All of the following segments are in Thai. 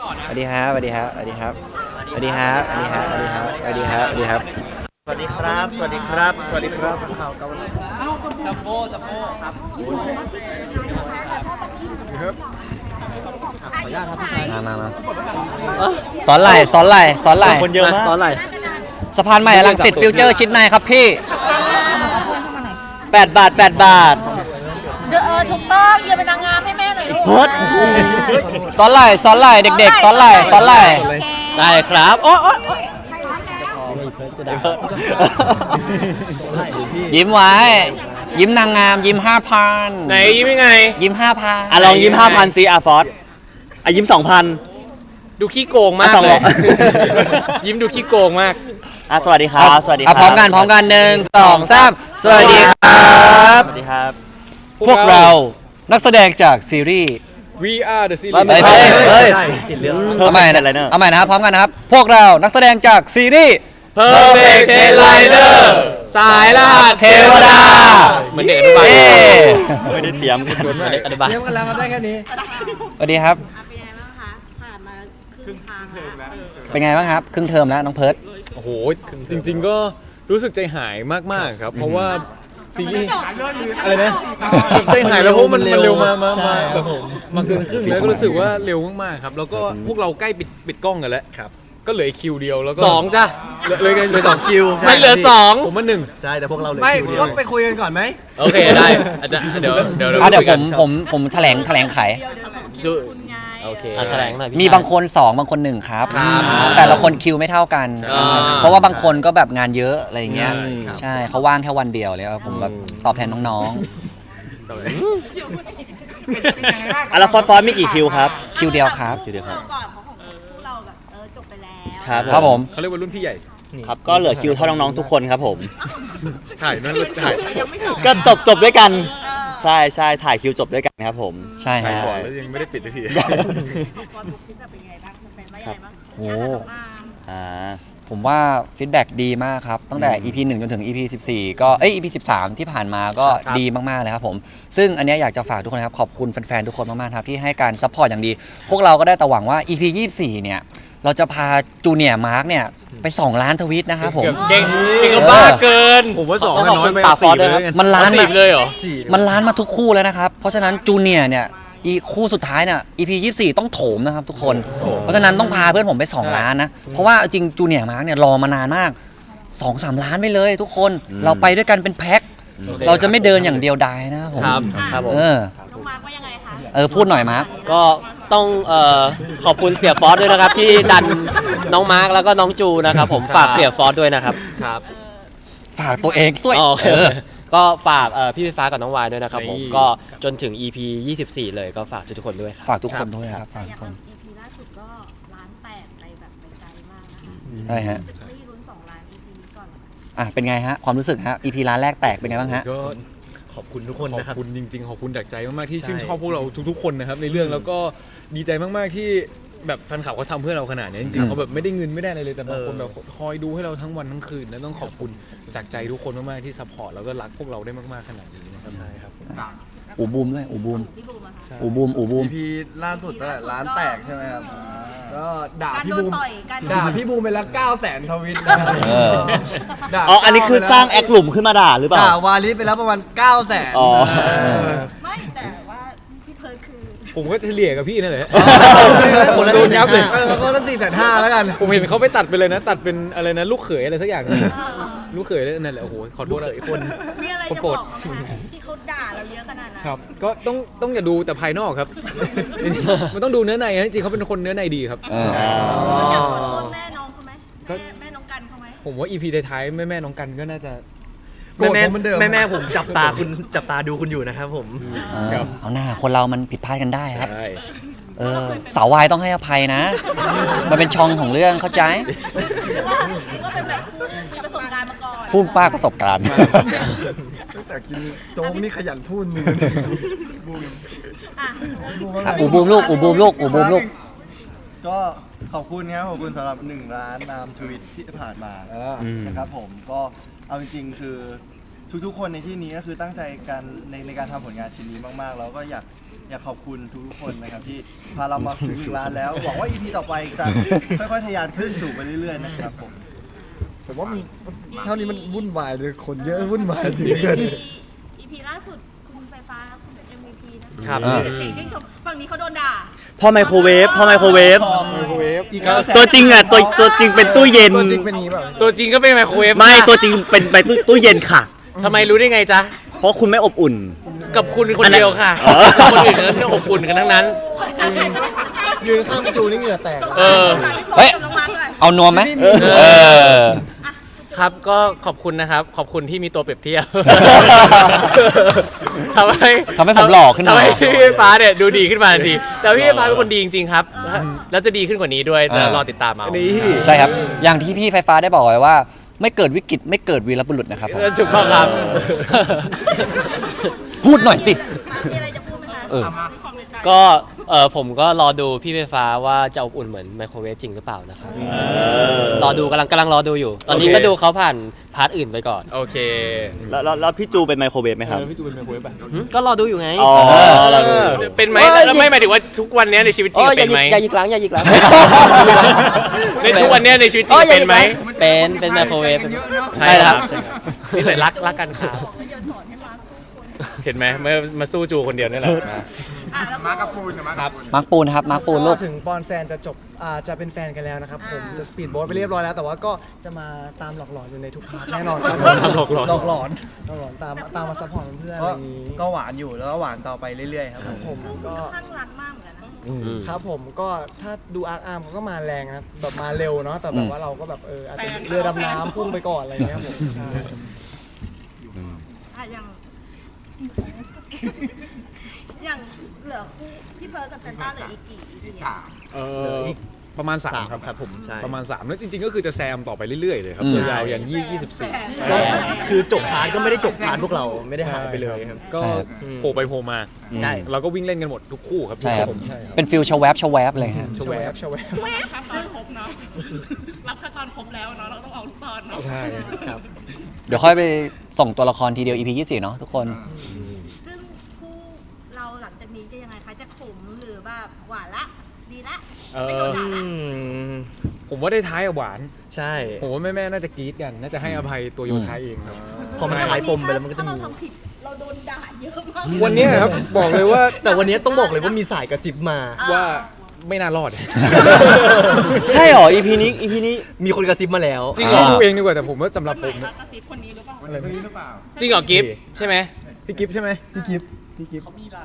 สวัสดีครับสวัสดีครับสวัสดีครับสวัสดีครับสวัสดีครับสวัสดีครับสวัสดีครับสวัสดีครับสวัสดีครับ สวัสดีครับ สวัสดีครับข่าวกับจัมโบ้ครับขออนุญาตครับพี่ชายมาสอนไหลคนเยอะมากสอนไหลสะพานใหม่รังสิตฟิวเจอร์ชิดในครับพี่ 8 บาท8 บาทถูกต้องอย่าเป็นนางงามให้แม่หน่อยลูกเพิร์ดสอนไหลเด็กๆสอนไหลได้ครับโอ้ยิ้มไว้ยิ้มนางงามยิ้ม 5,000 ไหนยิ้มยังไงยิ้ม 5,000 ลองยิ้ม 5,000ซีฟอสยิ้ม 2,000ดูขี้โกงมากเลยยิ้มดูขี้โกงมากสวัสดีครับสวัสดีครับพร้อมกัน1 2 3สวัสดีครับสวัสดีครับพวกเรานักแสดงจากซีรีส์ We are the series เฮ้ยจิตเรื่องเอาใหม่นะครับพร้อมกันนะครับพวกเรานักแสดงจากซีรีส์ Perfect Liner สายล่าเทวดาเหมือนเด็กอนุบาลไม่ได้เตรียมกันอนุบาลเตรียมกันแล้วมาได้แค่นี้สวัสดีครับเป็นไงบ้างคะผ่านมาครึ่งทางแล้วเป็นไงบ้างครับครึ่งเทอมแล้วน้องเพิร์ดโอ้โหจริงๆก็รู้สึกใจหายมากๆครับเพราะว่าซีรีส์อะไรนะใจหายแล้วเพราะมันเร็วมาแบบมาเกินครึ่งแล้วก็รู้สึกว่าเร็วมากๆครับแล้วก็พวกเราใกล้ปิดกล้องกันแล้วก็เหลือคิวเดียวแล้วก็ 2จ้ะเหลือ2คิวฉันเหลือ2 ผมมา1ใช่แต่พวกเราเหลือคิวเดียวต้องไปคุยกันก่อนไหมโอเคได้เดี๋ยวผมแถลงไขโอเคแถลงหน่อยมีบางคน2บางคน1ครับแต่ละคนคิวไม่เท่ากันเพราะว่าบางคนก็แบบงานเยอะอะไรอย่างเงี้ยใช่เขาว่างแค่วันเดียวเลยผมแบบตอบแทนน้องๆแล้วฟอสมีกี่คิวครับคิวเดียวครับก่อนเพราะของพวกเราแบบจบไปแล้วครับผมเขาเรียกว่ารุ่นพี่ใหญ่ครับก็เหลือคิวเท่าน้องๆทุกคนครับผมถ่ายนั่นถ่ายก็จบด้วยกันใช่ถ่ายคิวจบด้วยกันครับผมใช่ฮะแล้วยังไม่ได้ปิดทีโอ้ผมว่าฟีดแบ็กดีมากครับตั้งแต่ EP 1จนถึง EP 14ก็EP 13ที่ผ่านมาก็ดีมากๆเลยครับผมซึ่งอันนี้อยากจะฝากทุกคนครับขอบคุณแฟนๆทุกคนมากๆครับที่ให้การซัพพอร์ตอย่างดีพวกเราก็ได้แต่หวังว่า EP 24เนี่ยเราจะพาจูเนียร์มาร์กเนี่ยไป2 ล้านทวิตนะครับผมเก่งบ้าเกินผมว่า2น้อยไป4เลยมันล้านเลยเหรอมันล้านมาทุกคู่แล้วนะครับเพราะฉะนั้นจูเนียร์เนี่ยอีคู่สุดท้ายเนี่ย EP 24ต้องโถมนะครับทุกคนเพราะฉะนั้นต้องพาเพื่อนผมไป2 ล้านนะเพราะว่าจริงจูเนียร์มาร์กเนี่ยรอมานานมาก 2-3 ล้านไปเลยทุกคนเราไปด้วยกันเป็นแพ็คเราจะไม่เดินอย่างเดียวดายนะครับผมครับน้องมาร์กว่ายังไงคะพูดหน่อยมาร์กก็ต้องขอบคุณเสียฟอสด้วยนะครับที่ดันน้องมาร์กแล้วก็น้องจูนะครับผมฝากเสียฟอสด้วยนะครับฝากตัวเองด้วยก็ฝากพี่ไฟฟ้ากับน้องวายด้วยนะครับผมก็จนถึง EP 24เลยก็ฝากทุกคนด้วยครับฝากทุกคนด้วยครับฝากทุกคน EP ล่าสุดก็ล้านแตกไปแบบไปไกลมากนะคะใช่ฮะที่ลุ้น2 ล้าน EP นี้ก่อนเป็นไงฮะความรู้สึกฮะ EP ล้านแรกแตกเป็นไงบ้างฮะก็ขอบคุณทุกคนนะครับขอบคุณจริงๆขอบคุณจากใจมากๆที่ชื่นชอบพวกเราทุกๆคนนะครับในเรื่องแล้วก็ดีใจมากๆที่แบบแฟนคลับเขาทำเพื่อเราขนาดนี้จริงๆเขาแบบไม่ได้เงินไม่ได้อะไรเลยแต่บางคนแบบคอยดูให้เราทั้งวันทั้งคืนและต้องขอบคุณจากใจทุกคนมากๆที่ซัพพอร์ตแล้วก็รักพวกเราได้มากๆขนาดนี้นะครับใช่ครับอูบูมด้วยอูบูม EP ล่าสุดล้านแตกใช่ไหมครับก็ด่าพี่บูมไปแล้ว900,000 ทวิตอันนี้คือสร้างแอคหลุมขึ้นมาด่าหรือเปล่าด่าวาลิสไปแล้วประมาณ900,000 ไม่แต่ว่าพี่เพิร์ดคือผมก็เฉลี่ยกับพี่นั่นแหละคนละโดนยับเลยก็ละ450,000แล้วกันผมเห็นเขาไปตัดไปเลยนะตัดเป็นอะไรนะลูกเขยอะไรสักอย่างนึงลูกเขยนั่นแหละโอ้โหขอโทษเลยคนมีอะไรจะบอกที่เขาด่าเราเยอะขนาดนั้นครับก็ต้องอย่าดูแต่ภายนอกครับมันต้องดูเนื้อในจริงเขาเป็นคนเนื้อในดีครับอยากขอโทษแม่น้องเขาไหมแม่น้องกันเขาไหมผมว่า EP ท้ายๆแม่น้องกันก็น่าจะแม่ผมจับตาดูคุณอยู่นะครับผมเอาหน้าคนเรามันผิดพลาดกันได้ครับสาววายต้องให้อภัยนะมันเป็นช่องของเรื่องเข้าใจประสบการณ์มาก่อนพูดมากประสบการณ์แต่กินโจ๊กนี่ขยันพูดอูบูมลูกก็ขอบคุณครับขอบคุณสำหรับ1 ล้านตามทวิตที่ผ่านมานะครับผมก็เอาจริงๆคือทุกๆคนในที่นี้ก็คือตั้งใจกันในการทำผลงานชิ้นนี้มากๆแล้วก็อยากอยากขอบคุณทุกคนนะครับที่พาเรามาถึง1 ล้านแล้วหวังว่า EP ต่อไปจะค่อยๆทะยานขึ้นสู่ไปเรื่อยๆนะครับผมผมว่ามันเท่านี้มันวุ่นวายเลยคนเยอะวุ่นวายจริง EP ล่าสุดคุณไฟฟ้าคุณเป็น MVP นะครับเสียงชื่นชมฝั่งนี้เขาโดนด่าพ่อไมโครเวฟอีกตัวจริงอ่ะตัวจริงเป็นตู้เย็นตัวจริงเป็นอย่างนี้เปล่าตัวจริงก็เป็นไมโครเวฟไม่ตัวจริงเป็นไปตู้เย็นค่ะทำไมรู้ได้ไงจ๊ะเพราะคุณไม่อบอุ่นกับคุณคนเดียวค่ะอ๋อคนอื่นนั้นจะอบอุ่นกันทั้งนั้นยืนข้างพี่จูนี่เหงื่อแตกเออเฮ้ยลงมาด้วยเอานวมไหมเออครับก็ขอบคุณนะครับ ขอบคุณที่มีตัวเปรียบเทียบ ทำให้ผมหล่อขึ้นมาทำให้พี่ฟ้าเนี่ยดูดีขึ้นมาทันทีแต่พี่ฟ้าเป็นคนดีจริงๆครับ แล้วจะดีขึ้นกว่านี้ด้วยเดี๋ยวรอติดตามเอาใช่ครับ อย่างที่พี่ไฟฟ้าได้บอกไว้ว่า ไม่เกิดวิกฤตไม่เกิดวีรบุรุษนะครับผมถูกต้องครับพูดหน่อยสิมีอะไรจะพูดไหมคะเออก็ผมก็รอดูพี่ไฟฟ้าว่าจะอบอุ่นเหมือนไมโครเวฟจริงหรือเปล่านะครับรอดูกำลังรอดูอยู่ ตอนนี้โอเคก็ดูเขาผ่านพาร์ทอื่นไปก่อนโอเคแล้วพี่จูเป็นไมโครเวฟไหมครับพี่จูเป็นไมโครเวฟป่ะก็รอดูอยู่ไงอ๋อเราดูเป็นไหมเอ้ยแล้วไม่หมายถึงว่าทุกวันเนี้ยในชีวิตจริงอย่าเป็นไหมอย่าหยิกหลังอย่าหยิกหลังในทุกวันเนี้ยในชีวิตจริงเป็นไหมเป็นไมโครเวฟใช่ครับนี่เลยรักกันครับเห็นไหมมาสู้จูคนเดียวนี่แหละมากับปูนครับมาร์คปูนครับมาร์คปูนลูกถึงปอนแซนจะจบจะเป็นแฟนกันแล้วนะครับผมจะสปีดโบ๊ทไปเรียบร้อยแล้วแต่ว่าก็จะมาตามหลอกหลอนอยู่ในทุกพาร์ทแน่นอนครับหลอกหลอนหลอกหลอนตามมาซัพพอร์ตเพื่อนๆอะไรอย่างนี้ก็หวานอยู่แล้วก็หวานต่อไปเรื่อยๆครับผมผมก็ข้างรักมากเหมือนกันนะครับผมก็ถ้าดูอาร์คอาร์มเขาก็มาแรงนะแบบมาเร็วเนาะแต่แบบว่าเราก็แบบอาจจะเรือดำน้ำพุ่งไปก่อนอะไรอย่างเงี้ยครับผมใช่อย่างเหลือคู่พี่เพิร์ลกับเซนต้าเหลืออีกกี่ EP อีกประมาณ3ครับผมใช่ประมาณ3แล้วจริงๆก็คือจะแซมต่อไปเรื่อยๆเลยครับอืมยาวๆยัน24 คือจบพาร์ทก็ไม่ได้จบพาร์ทพวกเราไม่ได้หายไปเลยครับก็ใช่ครับโผล่ไปโผล่มาใช่เราก็วิ่งเล่นกันหมดทุกคู่ครับใช่ครับผมใช่ครับเป็นฟิลชแวบชแวบเลยฮะชวบชวบรับตอนครบเนาะรับแค่ตอนครบแล้วเนาะเราต้องเอาทุกตอนเนาะใช่ครับเดี๋ยวค่อยไปส่งตัวละครทีเดียว EP 24เนาะทุกคนซึ่งคู่เราหลังจากนี้จะยังไงคะจะขมหรือแบบหวานละดีละไม่โดนด่าละผมว่าได้ท้ายอะหวานใช่ผมว่าแม่ๆน่าจะกรี๊ดกัน น่าจะให้อภัยตัวโยธาเองครับพอมันคลายปมไปแล้วมันก็จะมีถ้าเราทำผิดเราโดนด่าเยอะมากวันเนี้ยครับบอกเลยว่าแต่วันนี้ต้องบอกเลยว่ามีสายกระซิบมาว่าไม่น่ารอดใช่เหรอ EP นี้มีคนกระซิบมาแล้วจริงเหรอดูเองดีกว่าแต่ผมว่าสำหรับผมนะกระซิบคนนี้หรือเปล่าจริงเหรอกิฟต์ใช่ไหมพี่กิฟต์ใช่ไหมพี่กิฟต์โอเคเขามีไล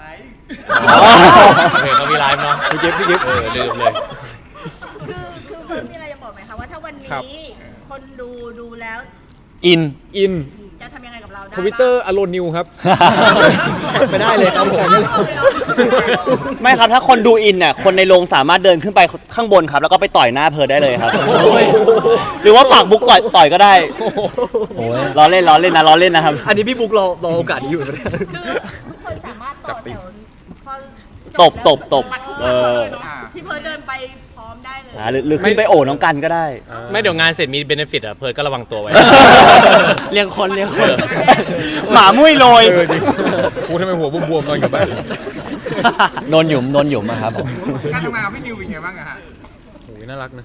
ฟ์เนาะพี่กิฟต์ลืมเลยคือเพิ่มมีอะไรจะบอกไหมคะว่าถ้าวันครับนี้คนดูแล้วอินอินจะทำยังไงกับเราได้ทวิตเตอร์อโลนิวครับไม่ได้เลยครับผมไม่ครับ ถ้าคนดูอินน่ะคนในโรงสามารถเดินขึ้นไปข้างบนครับ แล้วก็ไปต่อยหน้าเพิร์ดได้เลยครับ หรือว่าฝากบุ๊กต่อยก็ได้โอ้ยล้อเล่นนะครับอันนี้พี่บุ๊กรอโอกาสนี้อยู่นะคือทุกคนสามารถต่อแถวพอตบพี่เพิร์ลเดินไปพร้อมได้เลยหรือขึ้นไปโอบน้องกันก็ได้ไม่เดี๋ยวงานเสร็จมีเบนฟิตอ่ะเพิร์ดก็ระวังตัวไว้เลี้ยงคนหมามุ้ยโรยกูทำไมหัวบวมๆนอนอยู่บ้านโดนหยุมอะครับผมการทำงานกับพี่นิวเป็นไงบ้างอะฮะโอ้ยน่ารักนะ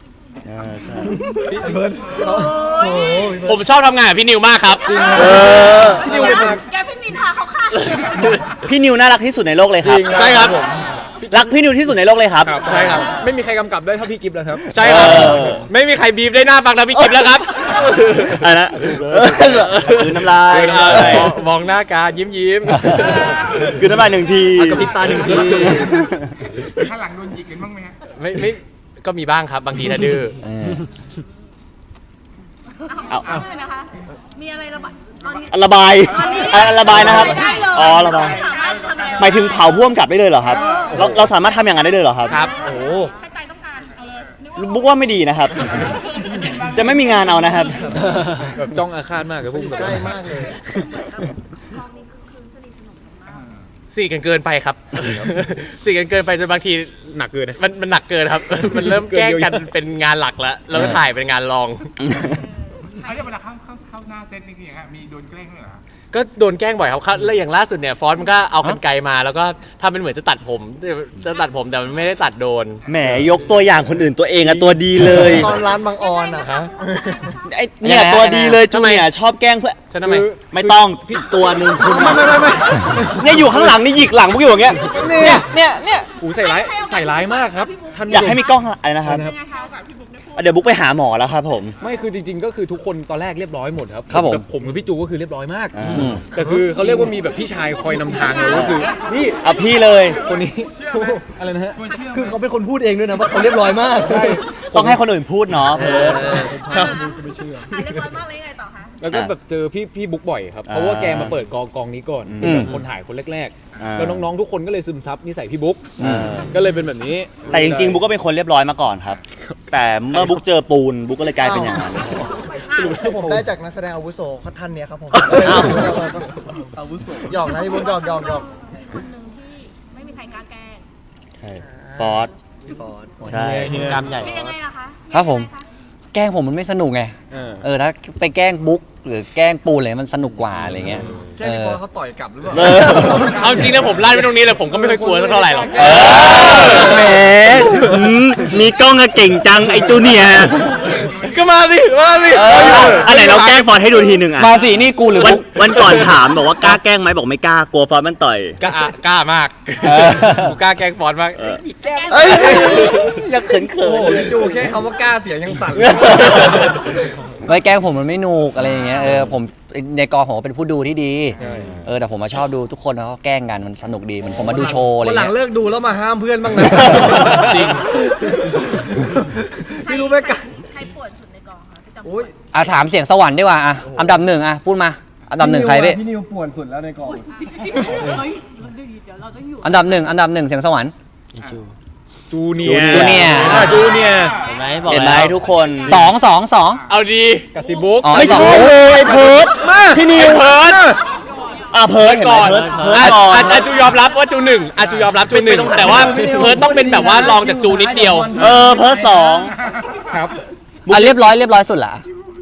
ผมชอบทำงานกับพี่นิวมากครับนิวเป็นคนแกเพิ่งนินทาเขาค่ะพี่นิวน่ารักที่สุดในโลกเลยครับใช่ครับรักพี่นิวที่สุดในโลกเลยครับครับใช่ครับ ไม่มีใครกำกับได้เท่าพี่กิฟต์แล้วครับใช่ครับเออไม่มีใครบีบได้หน้าฟังนะพี่กิฟแล้วครับอะไรนะคือน้ำลายมองหน้ากายิ้มคือน้ำลายหนึ่งทีกระพริบตาหนึ่งทีข้างหลังโดนหยิกกันบ้างไหมฮะไม่ก็มีบ้างครับบางทีถ้าดื้อเออเอานะคะ มีอะไรระบายตอนนี้ระบายตอนนี้ระบายนะครับได้เลยอ๋อระบายสามารถทำอะไรหมายถึงเผาพ่วงกลับได้เลยเหรอครับ เราสามารถทำอย่างนั้นได้เลยเหรอครับครับ โอ้ถ้าใจต้องการเอาเลยนึกว่าบุ๊กว่าไม่ดีนะครับ จะไม่มีงานเอานะครับแบบจ้องอาฆาตมากกับพวกแบบใกล้มากเลยกองนี้คือสนิทสนมกันมากสี่กันเกินไปครับ สี่กันเกินไปจนบางทีหนักเกินนะมันหนักเกินครับ มันเริ่มแกล้งกันเป็นงานหลักแล้วแล้วก็ถ่ายเป็นงานรองเอาเรื่องเวลาเข้าหน้าเซตนี่คือยังไงฮะมีโดนแกล้งด้วยเหรอฮะก็โดนแกล้งบ่อยครับแล้วอย่างล่าสุดเนี่ยฟอสมันก็เอากรรไกรมาแล้วก็ทำเป็นเหมือนจะตัดผมแต่มันไม่ได้ตัดโดนแหมยกตัวอย่างคนอื่นตัวเองอะตัวดีเลยตอนร้านบางออนอะไอ้เนี่ยตัวดีเลยจูเนี่ยชอบแกล้งเพื่อนฉันทำไมไม่ต้องพี่ตัวหนึ่งคุณเนี่ยอยู่ข้างหลังนี่หยิกหลังพวกอยู่อย่างเงี้ยเนี่ยอูใส่ร้ายมากครับท่านอยากให้มีกล้องอะไรนะครับยังไงคะพี่บุ๊กเดี๋ยวบุ๊กไปหาหมอแล้วครับผมไม่คือจริงๆก็คือทุกคนตอนแรกเรียบร้อยหมดครับครับผมแต่ผมกับพี่จูก็คือเรียบร้อยมากอืมแต่คือเขาเรียกว่ามีแบบพี่ชายคอยนำทางเลยก็คือนี่เอาพี่เลยคนนี้อะไรนะฮะคือเขาเป็นคนพูดเองด้วยนะว่าเขาเรียบร้อยมากต้องให้คนอื่นพูดเนาะเพิร์ดอ่ะเรียบร้อยมากเลยยังไงต่อคะแล้วก็แบบเจอพี่บุ๊กบ่อยครับเพราะว่าแกมาเปิดกองนี้ก่อนอืมเป็นคนถ่ายคนแรกๆแล้วน้องๆทุกคนก็เลยซึมซับนิสัยพี่บุ๊กอ่าก็เลยเป็นแบบนี้แต่จริงๆบุ๊กก็เป็นคนเรียบร้อยมาก่อนครับ แต่เมื่อบุ๊กเจอปูนบุ๊กก็เลยกลายเป็นอย่างนั้นคือผมได้จากนักแสดงอาวุโสท่านเนี้ยครับผมอ้าวอาวุโสหยอกนะพี่บุญหยอกคนหนึ่งที่ไม่มีใครกล้าแกล้งฟอสพี่ฟอร์ดใช่กรรมใหญ่เป็นยังไงล่ะคะครับผมยังไงคะแกล้งผมมันไม่สนุกไง ถ้าไปแกล้งบุ๊กหรือแกล้งปูนอะไรมันสนุกกว่าอะไรเงี้ยแค่พี่ฟอร์ดเขาต่อยกลับหรือเปล่าเอาจริงนะผมไล่ไปตรงนี้เลยผมก็ไม่ค่อยกลัวสักเท่าไหร่หรอกแหมมีกล้องอะเก่งจังไอ้จูเนียร์ก็มาสิอันไหนเราแกล้งฟอสให้ดูทีหนึ่งอะมาสินี่กูหรือวันบุ๊กวันก่อนถามบอกว่ากล้าแกล้งไหมบอกไม่กล้ากลัวฟอสมันต่อยกล้ามากเออกูกล้าแกล้งฟอนมากเอ้ยอยากเขินโอ้โหจูแค่คำว่ากล้าเสียงยังสั่นไว้แกล้งผมมันไม่หนุกอะไรอย่างเงี้ยผมในกองผมเป็นผู้ดูที่ดี แต่ผมมาชอบดูทุกคนเขาแกล้งกันมันสนุกดีเหมือนผมมาดูโชว์อะไรวันหลังเงี้ยเลิกดูแล้วมาห้ามเพื่อนบ้างนะจริงไม่รู้ไหมกันใครปวดสุดในกองคะพี่จำปโอ้วย ดถามเสียงสวรรค์ดีกว่าอันดับหนึ่งพูดมาอันดับหนึ่งใครพี่พี่นิวป่วนสุดแล้วในกองเฮ้ยเดี๋ยวเราต้องอยู่อันดับหนึ่งเสียงสวรรค์จูเนียร์จูเนียร์จูเนียร์เห็นไหมบอกเห็นไหมแล้วทุกคนสองเอาดีกับซีบุ๊กอ๋อไม่สอใช่งเลยเพิร์ดพี่นิวเพิร์ดเพิร์ดเห็นไหมก่อนเพิร์ดก่อนอาจูยอมรับว่าจูหนึ่งอาจูยอมรับจูหนึ่งแต่ว่าเพิร์ดต้องเป็นแบบว่าลองจากจูนิดเดียวเพิร์ดสองครับเรียบร้อยสุดละ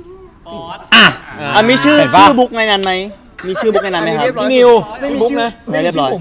มีชื่อเห็นปะบุ๊กในนั้นไหมมีชื่อบุ๊กในนั้นไหมครับพี่นิวไม่มีชื่อไม่เรียบร้อย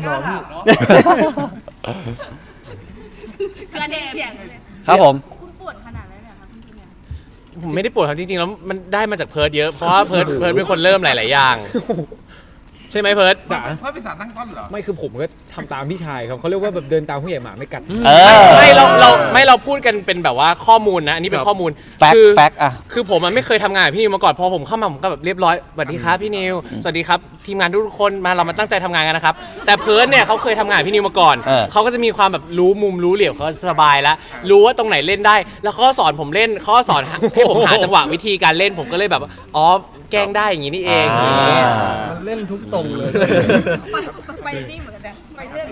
กระเด็นเพียงครับผมคุณปวดขนาดนั้นเลยเหรอคะคุณจูเนียร์ผมไม่ได้ปวดครับจริงๆแล้วมันได้มาจากเพิร์ดเยอะเพราะว่าเพิร์ดเป็นคนเริ่มหลายๆอย่าง ใช่ไหมเพิร์ดด่าเพื่อเป็นสารตั้งต้นเหรอไม่คือผมก็ทำตามพี่ชายครับเขาเรียกว่าแบบเดินตามผู้ใหญ่หมาไม่กัดเราพูดกันเป็นแบบว่าข้อมูลนะอันนี้เป็นข้อมูลแฟกคือแฟกคือผมมันไม่เคยทำงานกับพี่นิวมาก่อนพอผมเข้ามาผมก็แบบเรียบร้อยสวัสดีครับพี่นิวสวัสดีครับทีมงานทุกคนมาเรามาตั้งใจทำงานกันนะครับแต่เพิร์ดเนี่ยเขาเคยทำงานกับพี่นิวมาก่อนเขาก็จะมีความแบบรู้มุมรู้เหลี่ยมเขาสบายแล้วรู้ว่าตรงไหนเล่นได้ แล้วเขาก็สอนผมเล่นเขาก็สอนให้ผมหาจังหวะวิธีการเล่นผมก็เลยแบบอ๋อแกล้งได้อย่างนี้นี่เองมันเล่นทุกตรงเลยไปนี่เหมือนกันนะไปเรื่อย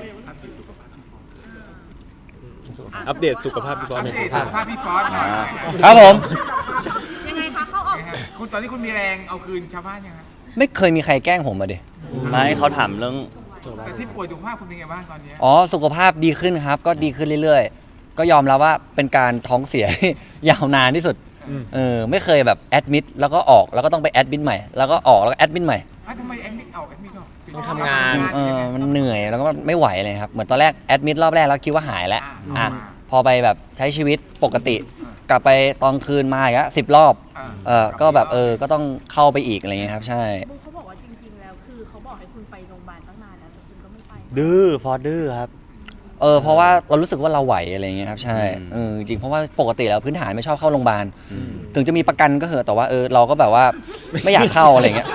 อัปเดตสุขภาพพี่บอลในสุขภาพภาพพี่ฟอสหน่อยครับผมยังไงคะเขาออกคุณตอนนี้คุณมีแรงเอาคืนชาวบ้านยังฮะไม่เคยมีใครแกล้งผมมาดิไม่เขาถามเรื่องแต่ที่ป่วยสุขภาพคุณเป็นไงบ้างตอนเนี้ยสุขภาพดีขึ้นครับ ก็ดีขึ้นเรื่อยๆ ก็ยอมรับว่าเป็นการท้องเสีย ยาวนานที่สุด ไม่เคยแบบแอดมิดแล้วก็ออกแล้วก็ต้องไปแอดมิดใหม่แล้วก็ออกแล้วก็แอดมิดใหม่ทำไมแอดมิดเอาแอดมิดก็ต้องทำงานมันเหนื่อยแล้วก็ไม่ไหวเลยครับ เหมือนตอนแรกแอดมิดรอบแรกแล้วคิดว่าหายแล้วพอไปแบบใช้ชีวิตปกติ กลับไปตอนคืนมาอีก10 รอบก็แบบก็ต้องเข้าไปอีกอะไรเงี้ยครับใช่บุ๊คเขาบอกว่าจริงๆแล้วคือเขาบอกให้คุณไปโรงพยาบาลตั้งนานแล้วแต่คุณก็ไม่ไปดื้อฟอร์ดดื้อครับเพราะว่าเรารู้สึกว่าเราไหวอะไรเงี้ยครับใช่จริงเพราะว่าปกติแล้วพื้นฐานไม่ชอบเข้าโรงพยาบาลถึงจะมีประกันก็เหอะแต่ว่าเราก็แบบว่าไม่อยากเข้าอะไรเงี้ย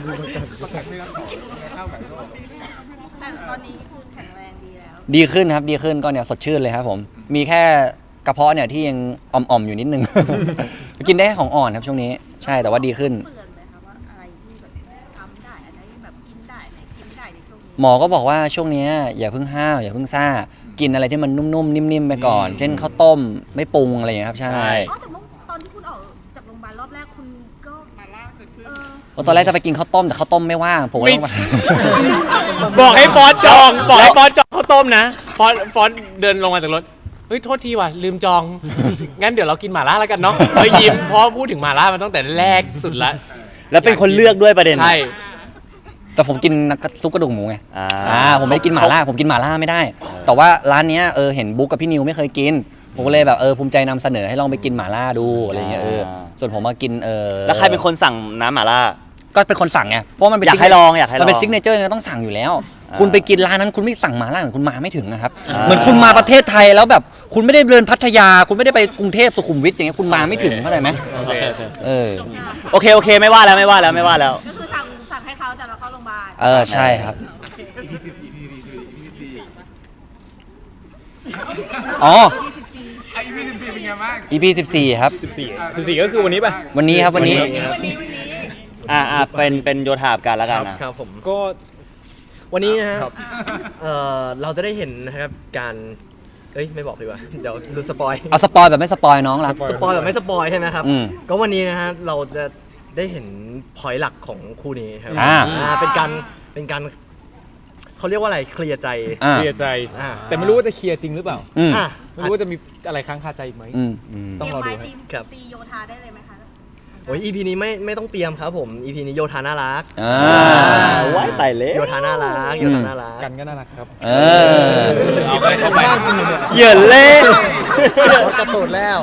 แต่ตอนนี้คุณแข็งแรงดีแล้วดีขึ้นครับดีขึ้นก็เนี่ยสดชื่นเลยครับผมมีแค่กระเพาะเนี่ยที่ยังอ่อมๆอยู่นิดนึง กินได้แค่ของอ่อนครับช่วงนี้ใช่แต่ว่าดีขึ้นเตือนไหมคะว่าอะไรที่แบบทำได้อะไรที่แบบกินได้ไหนกินไม่ได้ในช่วงนี้หมอก็บอกว่าช่วงเนี้ยอย่าเพิ่งห้าวอย่าเพิ่งซ่ากินอะไรที่มันนุ่มๆนิ่มๆไปก่อน เช่นข้าวต้มไม่ปรุงอะไรอย่างเงี้ยครับใช่อ๋อแต่เมื่อตอนที่คุณออกจากโรงพยาบาลรอบแรกคุณก็มาล่าเกิดขึ้นตอนแรกจะไปกินข้าวต้มแต่ข้าวต้มไม่ว่างผมก็ต้องไปบอกให้ฟอนจองข้าวต้มนะฟอนเดินลงมาจากรถเฮ้ยโทษทีว่ะลืมจอง งั้นเดี๋ยวเรากินหม่าล่าแล้วกันเนาะไปยิ้มเพราะพูดถึงหม่าล่ามาตั้งแต่แรกสุดละแล้วเป็นคนเลือกด้วยประเด็นใช่แต่ผมกินซุปกระดูกหมูไงอ่าผมไม่ได้กินหม่าล่าผมกินหม่าล่าไม่ได้ แต่ว่าร้านเนี้ยเห็นบุ๊กกับพี่นิวไม่เคยกิน ผมก็เลยแบบภูมิใจนำเสนอให้ลองไปกินหม่าล่าดูอะไรเงี้ยส่วนผมมากินแล้วใครเป็นคนสั่งน้ำหม่าล่าก็เป็นคนสั่งไงเพราะมันเป็นอยากให้ลองอยากให้ลองมันเป็นซิกเนเจอร์ต้องสั่งอยู่แล้ว คุณไปกินร้านนั้นคุณไม่สั่งหม่าล่าคุณมาไม่ถึงนะครับอ่าเหมือนคุณมาประเทศไทยแล้วแบบคุณไม่ได้เดินพัทยา คุณไม่ได้ไปกรุงเทพสุขุมวิทอย่างเงี้ยคุณมาไม่ถึงเข้าใจไหมโอเคไม่ว่าแล้วไม่ว่าแล้วก็คือสั่งให้เขาแต่เราเข้าโรงพยาบาลใช่ครับอ๋อไอ้พี่14เป็นไงบ้าง EP 14ครับ 14ก็คือวันนี้ป่ะวันนี้ครับวันนี้เป็นโยธากันแล้วกันนะครับผมก็วันนี้นะฮะเราจะได้เห็นนะครับการไม่บอกดีกว่าเดี๋ยวดูสปอยเอาสปอยแบบไม่สปอยน้องรักสปอยแบบไม่สปอยใช่ไหมครับอืมก็วันนี้นะฮะเราจะได้เห็นพอยต์หลักของคู่นี้ครับ เป็นการเขาเรียกว่าอะไรเคลียร์ใจเคลียร์ใจ แต่ไม่รู้ว่าจะเคลียร์จริงหรือเปล่าอืมไม่รู้ว่าจะมีอะไรค้างคาใจอีกไหม ต้องรอดูให้ครับตีโยธาได้เลยไหมคะโอ้ย EP นี้ไม่ต้องเตรียมครับผม EP นี้โยธาน่ารักว้ายตายแล้วโยธาน่ารักโยธาน่ารักกันก็น่ารักครับเอาไปเข้าไปเหยื่อเล่กระตูดแล้ว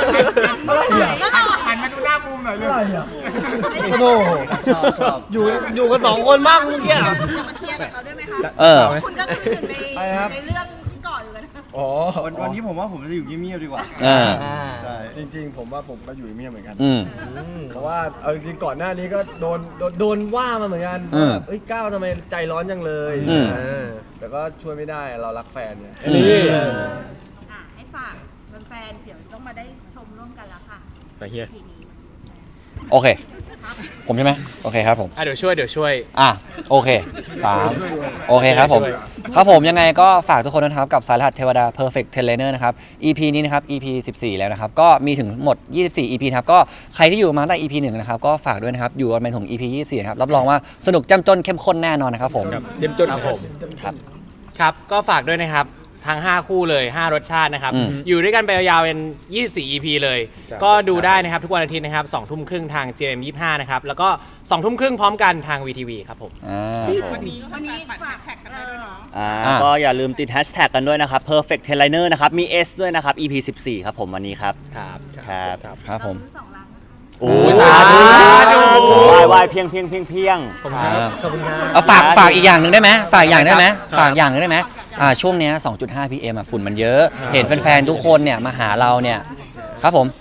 หันมาดูหน้าบูมหน่อยเลยโอ้โหชอบอยู่กัน2 คนมากเมื่อกี้จะมาเคลียร์กับเขาด้วยไหมคะ คุณก็คือหนึ่งในเรื่องก่อนเลยนะอ๋อวันนี้ผมว่าผมจะอยู่เงียบๆดีกว่า ใช่จริงๆ ผมว่าผมก็อยู่เงียบเหมือนกันอืมเพราะว่าเอาจริงๆก่อนหน้านี้ก็โดนว่ามาเหมือนกันอืมก้าวทำไมใจร้อนจังเลยอืมแต่ก็ช่วยไม่ได้เรารักแฟนเนี่ยนี่ให้ฝากแฟนๆเดี๋ยวต้องมาได้ชมร่วมกันแล้วค่ะแต่เฮียทีนี้โอเค ผมใช่ไหมโอเคครับผมเดี๋ยวช่วยโอเค3โอเคครับผม ครับผมยังไงก็ฝากทุกคนนะครับกับสายรหัสเทวดา Perfect Trainer นะครับ EP นี้นะครับ EP 14 แล้วนะครับ ก็มีถึงหมด 24 EP นะครับ ก็ใครที่อยู่มาตั้งแต่ EP 1 นะครับ ก็ฝากด้วยนะครับ อยู่กันไปถึง EP 24 นะครับ รับรองว่าสนุกจ้ำจนเข้มข้นแน่นอนนะครับผมเจ็มจนครับผม ครับก็ฝากด้วยนะครับทั้ง 5 คู่เลย 5 รสชาตินะครับ อยู่ด้วยกันไปยาวๆเป็น 24 EP เลย ก็ดูได้นะครับทุกวันอาทิตย์นะครับ 2 ทุ่มครึ่งทาง JM25 นะครับ แล้วก็ 2 ทุ่มครึ่งพร้อมกันทาง VTV ครับผมวันนี้ฝากแท็กกันได้ด้วยเนาะก็อย่าลืมติดแฮชแท็กกันด้วยนะครับ Perfect Trainer นะครับ มี S ด้วยนะครับ EP 14 ครับผมวันนี้ครับ ครับครับผมสองล้านโอ้สาธุวายเพียงขอบคุณครับเอาฝากอีกอย่างหนึ่งได้ไหมฝากอย่างได้ไหมฝากอย่างหนึงได้ไหมช่วงเนี้ย 2.5 PM ฝุ่นมันเยอะ เห็นแฟนๆทุกคนเนี่ยมาหาเราเนี่ยครับผม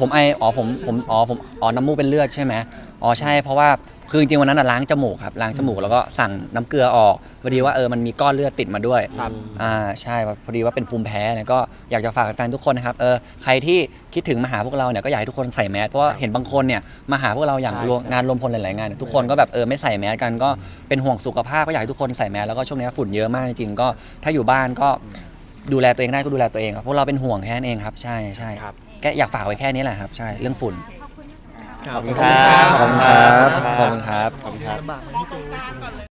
น้ำมูกเป็นเลือดใช่ไหมใช่เพราะว่าคือจริงๆวันนั้นล้างจมูกครับล้างจมูกแล้วก็สั่งน้ำเกลือออกพอดีว่ามันมีก้อนเลือดติดมาด้วยใช่พอดีว่าเป็นภูมิแพ้เนี่ยก็อยากจะฝากแฟนๆทุกคนนะครับใครที่คิดถึงมาหาพวกเราเนี่ยก็อยากให้ทุกคนใส่แมสเพราะว่าเห็นบางคนเนี่ยมาหาพวกเราอย่างงานรวมพลหลายๆงานเนี่ยทุกคนก็แบบไม่ใส่แมสกันก็เป็นห่วงสุขภาพก็อยากให้ทุกคนใส่แมสแล้วก็ช่วงนี้ฝุ่นเยอะมากจริงๆก็ถ้าอยู่บ้านก็ดูแลตัวเองได้ก็ดูแลตัวเองครับพวกเราเป็นห่วงแค่นั้นเองครับใช่แค่อยากฝากไว้แค่นี้แหละครับใช่เรื่องฝุ่นขอบคุณครับขอบคุณครับขอบคุณครับ